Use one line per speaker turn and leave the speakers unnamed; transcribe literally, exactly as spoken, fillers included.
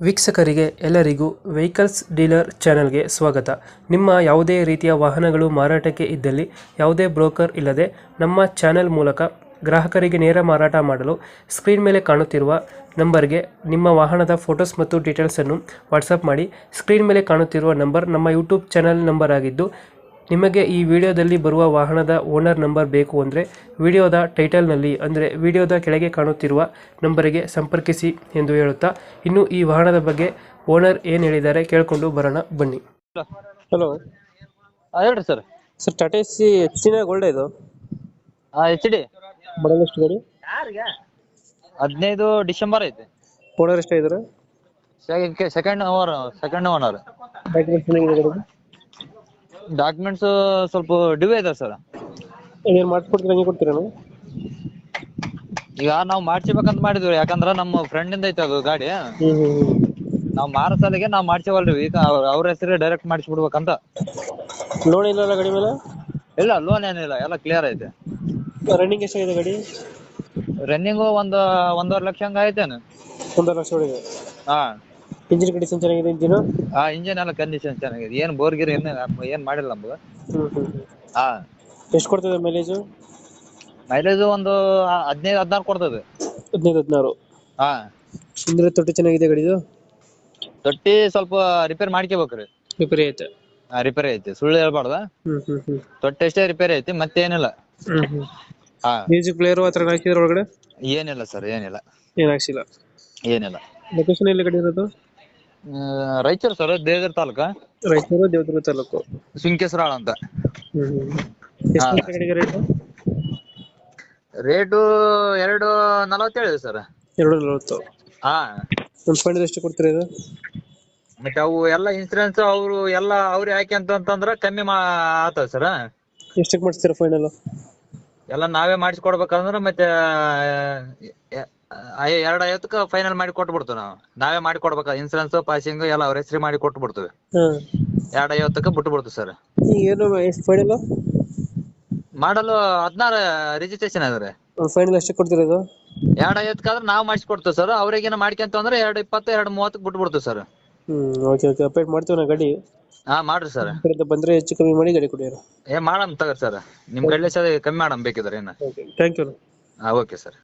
ವೀಕ್ಷಕರಿಗೆ ಎಲ್ಲರಿಗೂ vehicles dealer ಚಾನೆಲ್ಗೆ ಸ್ವಾಗತ. ನಿಮ್ಮ ಯಾವುದೇ ರೀತಿಯ ವಾಹನಗಳು ಮಾರಾಟಕ್ಕೆ ಇದ್ದಲ್ಲಿ ಯಾವುದೇ ಬ್ರೋಕರ್ ಇಲ್ಲದೆ ನಮ್ಮ ಚಾನೆಲ್ ಮೂಲಕ ಗ್ರಾಹಕರಿಗೆ ನೇರ ಮಾರಾಟ ಮಾಡಲು ಸ್ಕ್ರೀನ್ ಮೇಲೆ ಕಾಣುತ್ತಿರುವ ನಂಬರ್ಗೆ ನಿಮ್ಮ ವಾಹನದ ಫೋಟೋಸ್ ಮತ್ತು ಡೀಟೇಲ್ಸನ್ನು ವಾಟ್ಸಪ್ ಮಾಡಿ. ಸ್ಕ್ರೀನ್ ಮೇಲೆ ಕಾಣುತ್ತಿರುವ ನಂಬರ್ ನಮ್ಮ ಯೂಟ್ಯೂಬ್ ಚಾನೆಲ್ ನಂಬರ್ ಆಗಿದ್ದು, ನಿಮಗೆ ಈ ವಿಡಿಯೋದಲ್ಲಿ ಬರುವ ವಾಹನದ ಓನರ್ ನಂಬರ್ ಬೇಕು ಅಂದರೆ ವಿಡಿಯೋದ ಟೈಟಲ್ನಲ್ಲಿ ಅಂದರೆ ವಿಡಿಯೋದ ಕೆಳಗೆ ಕಾಣುತ್ತಿರುವ ನಂಬರಿಗೆ ಸಂಪರ್ಕಿಸಿ ಎಂದು ಹೇಳುತ್ತಾ, ಇನ್ನು ಈ ವಾಹನದ ಬಗ್ಗೆ ಓನರ್ ಏನು ಹೇಳಿದ್ದಾರೆ ಕೇಳಿಕೊಂಡು ಬರೋಣ ಬನ್ನಿ. ಹಲೋ
ಹಾ ಹೇಳ್ರಿ sir.
Sir, Tata S C ಹೆಚ್ಚಿನ ಗೋಲ್ಡ್ ಇದು
ಹಾ ಎಚ್ ಡಿ
ಮಾಡಲ್ ಎಷ್ಟು ಗಾಡಿ?
ಹದಿನೈದು ಡಿಸೆಂಬರ್ ಐತಿ.
ಓನರ್ ಎಷ್ಟಾಗಿದ್ದಾರೆ?
Second owner second owner.
Documents
documents ಸ್ವಲ್ಪ ಡಿವೇ ಇದೆ ಸರ್.
ಏನು ಮಾಡಿಸ್ಕೊಡ್ತೀರಾ, ಹಂಗೆ ಕೊಡ್ತೀರಾ?
ಈಗ ನಾವು ಮಾಡ್ಸಿಬೇಕಂತ ಮಾಡಿದ್ವಿ, ಯಾಕಂದ್ರ ನಮ್ಮ ಫ್ರೆಂಡ್ ಇಂದ ಐತಿ ಅದು ಗಾಡಿ.
ಹ್ಞೂ ಹ್ಞೂ
ನಾವ್ ಮಾರೋ ಸಾಲಿಗೆ ನಾವ್ ಮಾಡ್ಸೇವಲ್ರಿ, ಈಗ ಅವ್ರ ಹೆಸರೇ ಡೈರೆಕ್ಟ್ ಮಾಡಿಸ್ಬಿಡ್ಬೇಕಂತ.
ಲೋನ್ ಇಲ್ಲ ಗಾಡಿ ಮೇಲೆ?
ಇಲ್ಲ, ಲೋನ್ ಏನಿಲ್ಲ, ಎಲ್ಲ ಕ್ಲಿಯರ್ ಐತೆ.
ರನ್ನಿಂಗ್ ಎಷ್ಟಾಗಿದೆ ಗಾಡಿ?
ರನ್ನಿಂಗು ಒಂದ್ ಒಂದೂವರೆ ಲಕ್ಷ ಹಂಗ ಐತೇನು.
ಒಂದೂವರೆ ಲಕ್ಷ ಹೊಡಿದೆ.
ಹಾ
ಇಂಜಿನ್ ಕಂಡೀಷನ್ ಚೆನ್ನಾಗಿದೆ? ಇಂಜಿನ್
ಹಾ ಇಂಜಿನ್ ಎಲ್ಲ ಕಂಡೀಷನ್ ಚೆನ್ನಾಗಿದೆ, ಏನ್ ಬೋರ್ಗಿರ್ ಏನ್ ಏನ್ ಮಾಡಿಲ್ಲ ನಮ್ದು.
ಹ್ಞೂ ಹ್ಞೂ
ಹಾ
ಎಷ್ಟು ಕೊಡ್ತದೆ ಮೈಲೇಜು?
ಮೈಲೇಜ್ ಒಂದು ಹದಿನೈದು ಹದಿನಾರು ಕೊಡ್ತದೆ.
ಹದಿನೈದು ಹದಿನಾರು.
ಹಾ
ಹಿಂದ್ರೆ ತೊಟ್ಟಿ ಚೆನ್ನಾಗಿದೆ ಗಾಡಿದು?
ತೊಟ್ಟಿ ಸ್ವಲ್ಪ ರಿಪೇರ್ ಮಾಡ್ಕೋಬೇಕ್ರಿ.
ರಿಪೇರಿ ಐತೆ?
ಹಾ ರಿಪೇರಿ ಐತಿ, ಸುಳ್ಳು ಹೇಳ್ಬಾರ್ದ.
ಹ್ಮ್ ಹ್ಮ್ ಹ್ಮ್
ತೊಟ್ಟಿ ಅಷ್ಟೇ ರಿಪೇರಿ ಐತಿ, ಮತ್ತೇನಿಲ್ಲ.
ಹ್ಮ್ ಹ್ಮ್
ಹಾ
ಮ್ಯೂಸಿಕ್ ಪ್ಲೇಯರ್ ಹತ್ರ ಹಾಕಿದ್ರ ಒಳಗಡೆ?
ಏನಿಲ್ಲ ಸರ್, ಏನಿಲ್ಲ
ಏನ್ ಹಾಕ್ಸಿಲ್ಲ.
ಏನಿಲ್ಲ.
ಲೊಕೇಶನ್ ಎಲ್ಲಿ ಗಾಡಿ ಇರೋದು?
ರಾಯಚೂರು ಸರ್, ದೇವಗಿರಿ ತಾಲೂಕ,
ರಾಯಚೂರು ದೇವದುರ್ಗ ತಾಲೂಕು.
ಸುಂಕೇಶ್ವರಾಳ ಅಂತ.
ಹ್ಮ್ ಹ್ಮ್ ಎಷ್ಟು ಗಾಡಿಗೆ ರೇಟ್?
ರೇಟು ಎರಡು ನಲವತ್ತೇಳು ಸರ್.
ಎರಡು ನಲವತ್ತು.
ಹಾ
ಒಂದು ಫೈನಲ್ ಎಷ್ಟು ಕೊಡ್ತೀರಾ ಇದು?
ಮತ್ತೆ ಅವು ಎಲ್ಲ ಇನ್ಸೂರೆನ್ಸ್ ಅವ್ರು ಎಲ್ಲ ಅವ್ರಿಗೆ ಹಾಕಿ ಅಂತಂದ್ರ ಕಮ್ಮಿ ಮಾ ಆತದ ಸರ್.
ಎಷ್ಟಕ್ಕೆ ಮಾಡಿಸ್ತೀರಾ ಫೈನಲ್?
ಎಲ್ಲ ನಾವೇ ಮಾಡಿಸ್ಕೊಡ್ಬೇಕಂದ್ರ ಮತ್ತೆ ಎರಡ್ ಐವತ್ತಕ್ಕ ಫೈನಲ್ ಮಾಡಿ ಕೊಟ್ಬಿಡ್ತೀವಿ. ನಾವು ನಾವೇ ಮಾಡಿ ಕೊಡ್ಬೇಕ, ಇನ್ಸೂರೆನ್ಸ್ ಪಾಸಿಂಗ್ ಎಲ್ಲ ಅವ್ರ ಹೆಸರು ಮಾಡಿ ಕೊಟ್ಟು ಬಿಡ್ತೀವಿ.
ಹಾಂ,
ಎರಡ್ ಐವತ್ತಕ್ಕ ಬಿಟ್ಟು ಬಿಡ್ತೀವಿ ಸರ್.
ಈಗ ಏನು ಎಷ್ಟು ಫೈನಲ್?
ಮಾಡಲು ಹದಿನಾರು ರಿಜಿಸ್ಟ್ರೇಷನ್ ಅದ ರೀ.
ಫೈನಲ್ ಎಷ್ಟಕ್ಕೆ ಕೊಡ್ತೀರಾ ಇದು?
ಎರಡ್ ಐವತ್ತಕ್ಕಾದ್ರೆ ನಾವು ಮಾಡಿಸ್ಕೊಡ್ತೀವಿ ಸರ್. ಅವ್ರಿಗೇನ ಮಾಡ್ಕೊಂತ ಅಂದ್ರೆ ಎರಡ್ ಇಪ್ಪತ್ತು ಎರಡ್ ಮೂವತ್ತಕ್ಕೆ ಬಿಟ್ಟು ಬಿಡ್ತೀವಿ ಸರ್.
ಹ್ಮ್ ಓಕೆ ಓಕೆ ಅಪ್ಡೇಟ್ ಮಾಡ್ತೀವಿ ನಾ ಗಾಡಿ.
ಹಾ ಮಾಡ್ರಿ ಸರ್.
ಬಂದ್ರೆ ಹೆಚ್ಚು ಕಮ್ಮಿ ಮಾಡಿ ಗಾಡಿ ಕೊಡಿ.
ಏ ಮಾಡಮ್ ತಗೋರಿ ಸರ್, ನಿಮ್ ಕಡ್ಲೆ ಕಮ್ಮಿ ಮಾಡಮ್ ಬೇಕಿದ್ರೆ ಏನ.
Thank you.
ಹಾ ಓಕೆ ಸರ್.